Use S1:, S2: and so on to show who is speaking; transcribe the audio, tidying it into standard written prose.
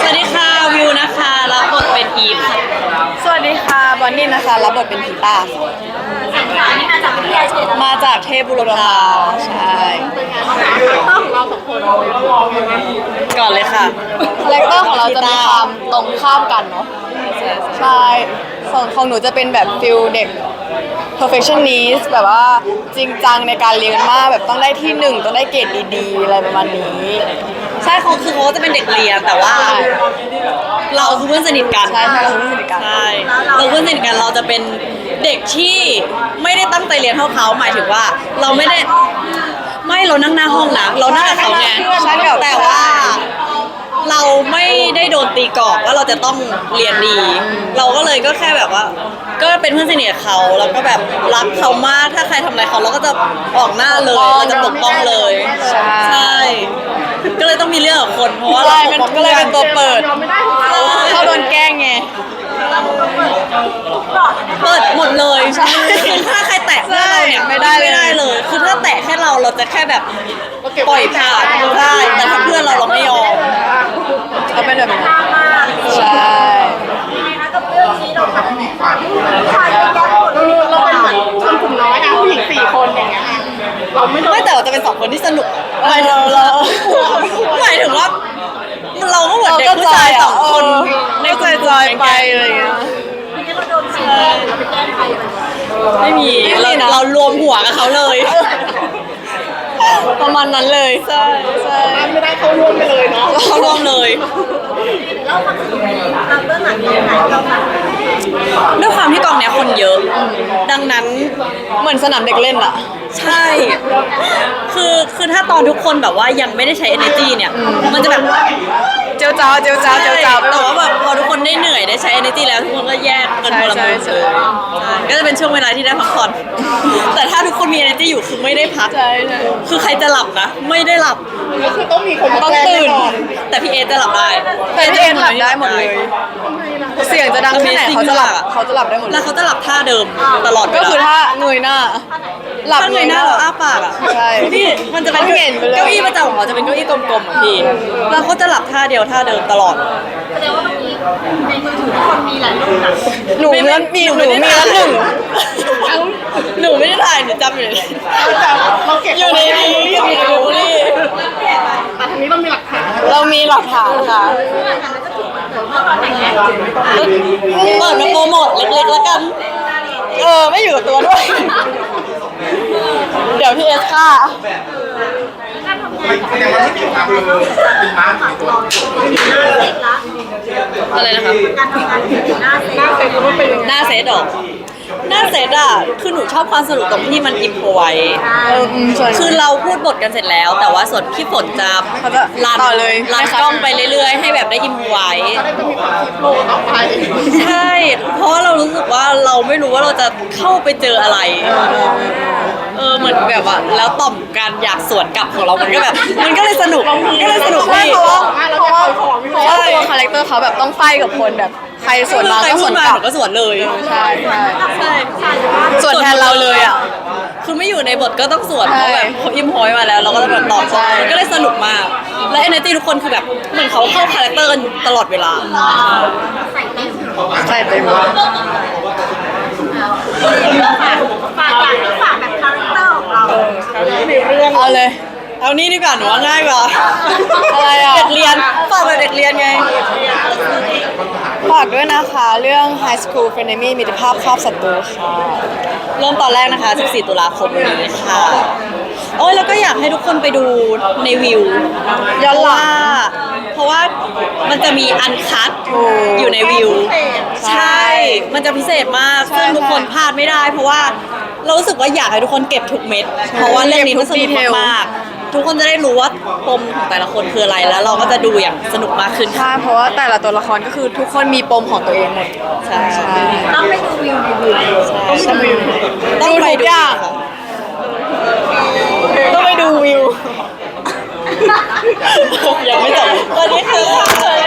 S1: วัสดีค่ะวิวนะคะรับบทเป็นอีฟค่ะ
S2: สวัสดีค่ะบอนนี่นะคะรับบทเป็นผีป้า
S3: สังขารนี่มาจากวิทยาเขต
S2: มาจากเทพบุรพาใช่
S3: ของเราสองคน
S1: ก่อนเลยค่ะ
S2: คาแรคเตอร์ของเราจะมีความตรงข้ามกันเนาะใช่ส่วนของหนูจะเป็นแบบฟิลเด็ก perfectionist แบบว่าจริงจังในการเรียนมากแบบต้องได้ที่หนึ่งต้องได้เกรดดีๆอะไรประมาณนี้
S1: ใช่เขาจะเป็นเด็กเรียนแต่ว่าเราคือเพื่อนสนิทกัน
S2: ใช่เราคือเพื่อนสนิทกัน
S1: ใช่เราเพื่อนสนิทกันเราจะเป็นเด็กที่ไม่ได้ตั้งใจเรียนเท่าเขาหมายถึงว่าเราไม่ได้เรานั่งหน้าห้องนะเรานั่งกับเขาไงแต่ว่าเราไม่ได้โดนตีกรอบว่าเราจะต้องเรียนดีเราก็เลยก็แค่แบบว่าก็เป็นเพื่อนสนิทกับเขาแล้วก็แบบรักเขามากถ้าใครทำอะไรเขาเราก็จะออกหน้าเลยเราจะปกป้องเลยใช่ก็เลยต้องมีเรื่องกับคนเพราะว่าเรา
S2: ก็เลยเป็นตัวเปิดเขาโดนแกล้งไง
S1: เปิดหมดเลยถ้าใครแตะเพื่อนเราเนี่ยไม่ได้เลยคือถ้าแตะแค่เราจะแค่แบบปล่อยผ่านได้แต่ถ้าเพื่อนเราไม่ยอม
S2: เขาเป็นแบบนี้ใช่
S3: นะกับเรื่องนี้เราแบบผู้ชายเยอะแยะหมดเลยเราเป็นเหมือนชนกลุ่มน้อยนะผู้หญิง4 คนอย่างเงี้ยเรา
S1: ไม่แต่เราจะเป็น2 คนที่สนุกหมายถึงว่าเราก็เหมือนเด็กผู้ชาย2 คน
S2: ในใจไปอะไรอย่างเงี้ย
S3: เราโดนใครแกล้งเราไปแกล้งใคร
S1: ไม่มีเรารวมหัวกับเขาเลย
S2: ประมาณนั้นเลยใช่
S3: ไม่ได้เข้าร่วมไปเลยเนาะ
S1: เข้าร่วมเลย
S3: เล่าความสนุกเราเรื่องหลังนี้ไหนเราค่ะ
S1: ด้วยความที่กองเนี้ยคนเยอะดังนั้น
S2: เหมือนสนามเด็กเล่นอะ
S1: ใช่คือถ้าตอนทุกคนแบบว่ายังไม่ได้ใช้ energy เนี่ยมันจะแบบ
S2: เจียวจ้าว
S1: แต่ว่าแบบพอทุกคนได้เหนื่อยได้ใช้ energy แล้วทุกคนก็แยกกันคนละมุมเลยก็จะเป็นช่วงเวลาที่ได้พักผ่อนแต่ถ้าทุกคนมี energy อยู่คือไม่ได้พักคือใครจะหลับนะไม่ได้หลับ
S3: ก็คือต้องมีคน
S2: ต้องตื่น
S1: แต่พี่เอจะหลับได้
S2: แต่พี่เอหลับได้หมดเลยเสียงจะดังแค่ไหนเขาจะหลับได้หมด
S1: แล้วเขาจะหลับท่าเดิมตลอด
S2: ก็คือถ้าเงยหน้าหลับ
S1: เงยหน้าเราอ้าปากอ่ะ
S2: ใช่
S1: พี่มันจะเป็นเก้าอี้ประจำของเขาจะเป็นเก้าอี้กลมๆอ่ะพี่แล้วเขาจะหลับท่าเดียวท่าเดิมตลอด
S3: แสดงว่าเมื่อกี้ในมือถือทุกคนมีหลายรูปนะ
S2: หนูมีแล้ว1
S1: หนูไม่ได้ถ่ายหนูจำอยู่เลย
S3: เราเก็บ
S1: อยู่ในนี้
S3: แต่ทีนี้เรามีหลักฐาน
S2: เรามีหลักฐานค่ะ
S1: เปิดมาโปรโมทเล็กๆแล้วกัน
S2: ไม่อยู่กับตัวด้วยเดี๋ยวพี่เอสค่ะ
S1: อะไรนะคะ
S3: การทำงานหน้าเซต
S1: หน้าเซตหรอหน้าเซตอ่ะคือหนูชอบความสนุกตรงที่มันอิมพอไว้คือเราพูดบทกันเสร็จแล้วแต่ว่าส่วนพี่ฝนจะ
S2: รัน
S1: กล้องไปเรื่อยๆให้แบบได้อิมพอไว้ใช่เพราะเรารู้สึกว่าเราไม่รู้ว่าเราจะเข้าไปเจออะไรเหมือนแบบว่าแล้วต่อมการอยากสวนกลับของเรามันก็เลยสนุกพี่
S2: เพราะว่าตัวคาแรคเตอร์เขาแบบต้องไฟกับคนแบบใครสวนมาก็สวนกลับ
S1: ก็สวนเลย
S2: ใช่สวนแทนเราเลยอ่ะ
S1: คือไม่อยู่ในบทก็ต้องสวนเพราะแบบเขาอิมพอยมาแล้วเราก็ต้องแบบตอบมันก็เลยสนุกมากและเอเนอร์จี้ทุกคนคือแบบเหมือนเขาเข้าคาแรคเตอร์กันตลอดเวลา
S2: ใช่เต็ม
S3: ฝากแบบคาแรคเตอร์ของเรา
S2: เอาเลย
S1: เอานี่ดีกว่าหนูว่าง่ายกว่า
S2: อะไรอ่ะ
S1: เด็กเรียนฝากแบบเด็กเรียนไง
S2: ฝากด้วยนะคะเรื่อง High School Frenemy มิตรภาพครอบศัตรูค่ะ
S1: เริ่มตอนแรกนะคะ14 ตุลาคมนี้ค่ะโอ้ยแล้วก็อยากให้ทุกคนไปดูในวิว
S2: ย้อนหลัง
S1: เพราะว่ามันจะมีอันคัทอยู่ในวิวใช่มันจะพิเศษมากซึ่งทุกคนพลาดไม่ได้เพราะว่าเรารู้สึกว่าอยากให้ทุกคนเก็บทุกเม็ดเพราะว่าเรื่องนี้มันสนุกมากทุกคนจะได้รู้ว่าปมของแต่ละคนคืออะไรแล้วเราก็จะดูอย่างสนุกมากขึ้น
S2: ใช่เพราะว่าแต่ละตัวละครก็คือทุกคนมีปมของตัวเองหมด
S1: ใช่
S3: ต้องไปดูวิว
S2: ต้องไปดูต้องไปดูวิว
S1: ยังไม่จบวันนี้คือ